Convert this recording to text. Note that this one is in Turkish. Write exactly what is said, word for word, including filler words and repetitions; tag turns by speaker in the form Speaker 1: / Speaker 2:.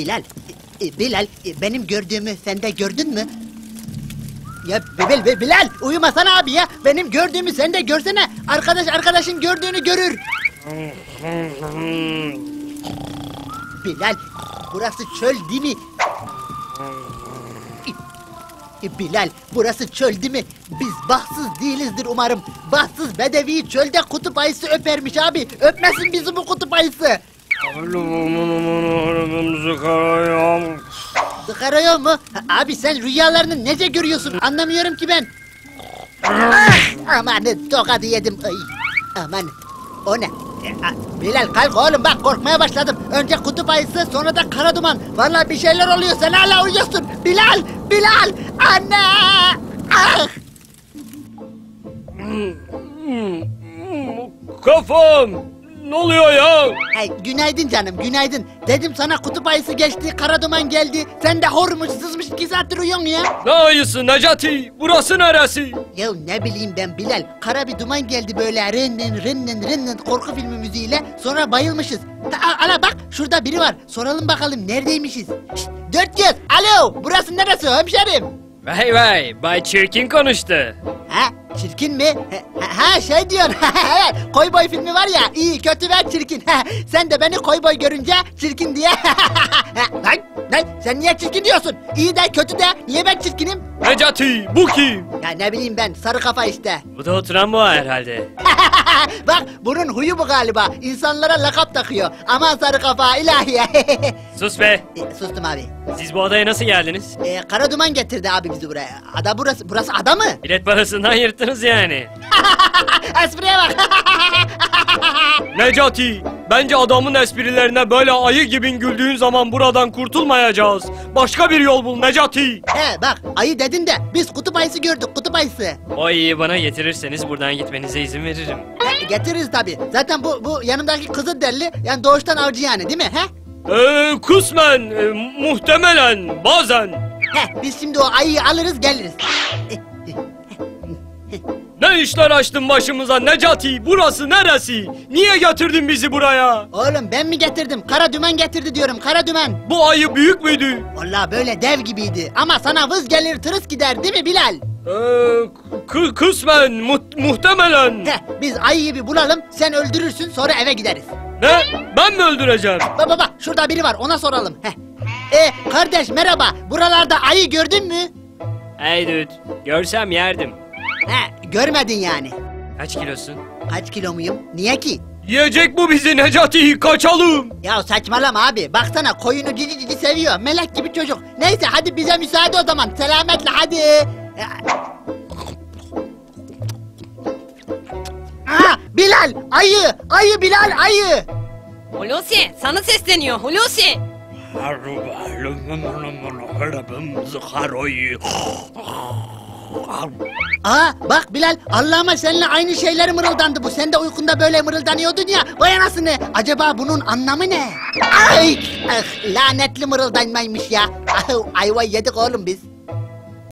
Speaker 1: Bilal, e, Bilal, e, benim gördüğümü sen de gördün mü? Ya Bilal, Bilal, Bilal, uyumasana abi ya. Benim gördüğümü sen de görsene. Arkadaş arkadaşın gördüğünü görür. Bilal, burası çöl değil mi? E, Bilal, burası çöl değil mi? Biz bahtsız değilizdir umarım. Bahtsız bedevi çölde kutup ayısı öpermiş abi. Öpmesin bizi bu kutup ayısı. Sıkarıyor mu? Ha, abi sen rüyalarını nece görüyorsun? Anlamıyorum ki ben. Ah, aman tokadı yedim. Ay, aman o ne? E, a, Bilal kalk oğlum bak korkmaya başladım. Önce kutup ayısı sonra da kara duman. Vallahi bir şeyler oluyor sen hala uyuyorsun. Bilal! Bilal! Anne! Ah!
Speaker 2: Kafam! Ne oluyor ya?
Speaker 1: Ay, günaydın canım günaydın. Dedim sana kutup ayısı geçti, kara duman geldi. Sen de hormuş sızmış iki saattir uyuyorsun ya.
Speaker 2: Ne ayısı Necati? Burası neresi?
Speaker 1: Ya ne bileyim ben Bilal. Kara bir duman geldi böyle rinnin rinnin rinnin korku filmi müziğiyle. Sonra bayılmışız. Ha, ala bak şurada biri var. Soralım bakalım neredeymişiz. Şşt, dört göz. Alo burası neresi hemşerim?
Speaker 2: Vay vay, Bay Çirkin konuştu.
Speaker 1: Ha çirkin mi? Ha, ha şey diyorsun. Evet Koy Boy filmi var ya iyi kötü ve çirkin. Sen de beni Koy Boy görünce çirkin diye. Lan lan sen niye çirkin diyorsun? İyi de kötü de niye ben çirkinim?
Speaker 2: Necati, bu kim?
Speaker 1: Ya ne bileyim ben sarı kafa işte.
Speaker 2: Bu da oturan bu herhalde.
Speaker 1: Bak bunun huyu bu galiba. İnsanlara lakap takıyor. Aman sarı kafa ilahi.
Speaker 2: Sus be!
Speaker 1: E, sustum abi.
Speaker 2: Siz bu adaya nasıl geldiniz?
Speaker 1: E, kara duman getirdi abi bizi buraya. Ada burası. Burası ada mı?
Speaker 2: Bilet parasından yırttınız yani.
Speaker 1: Espriye bak.
Speaker 2: Necati, bence adamın esprilerine böyle ayı gibi güldüğün zaman buradan kurtulmayacağız. Başka bir yol bul Necati.
Speaker 1: He bak ayı dedin de biz kutup ayısı gördük kutup ayısı.
Speaker 2: O ayıyı bana getirirseniz buradan gitmenize izin veririm.
Speaker 1: E, getiririz tabi. Zaten bu bu yanımdaki Kızılderili yani doğuştan avcı yani değil mi? He?
Speaker 2: Ee, kısmen, e, muhtemelen, bazen.
Speaker 1: He biz şimdi o ayıyı alırız geliriz. E,
Speaker 2: Ne işler açtın başımıza Necati? Burası neresi? Niye getirdin bizi buraya?
Speaker 1: Oğlum ben mi getirdim? Kara dümen getirdi diyorum kara dümen.
Speaker 2: Bu ayı büyük müydü?
Speaker 1: Vallahi böyle dev gibiydi. Ama sana vız gelir tırıs gider değil mi Bilal?
Speaker 2: Ee, k- kısmen, mu- muhtemelen.
Speaker 1: Heh, biz ayıyı bir bulalım, sen öldürürsün sonra eve gideriz.
Speaker 2: Ne? Ben mi öldüreceğim?
Speaker 1: Baba baba şurada biri var ona soralım. Heh. E kardeş merhaba, buralarda ayı gördün mü?
Speaker 2: Hey dude, görsem yerdim.
Speaker 1: He görmedin yani.
Speaker 2: Kaç kilosun?
Speaker 1: Kaç kilo muyum? Niye ki?
Speaker 2: Yiyecek bu bizi Necati, kaçalım.
Speaker 1: Ya saçmalama abi, baksana koyunu cici cici seviyor, melek gibi çocuk. Neyse hadi bize müsaade o zaman, selametle hadi. Aa, Bilal, ayı, ayı Bilal, ayı.
Speaker 3: Hulusi sana sesleniyor Hulusi.
Speaker 1: Aa bak Bilal, Allah'ıma seninle aynı şeyler mırıldandı bu. Sen de uykunda böyle mırıldanıyordun ya. Vay anasını, acaba bunun anlamı ne? Ay, ah, lanetli mırıldanmaymış ya. Ah, ayva yedik oğlum biz.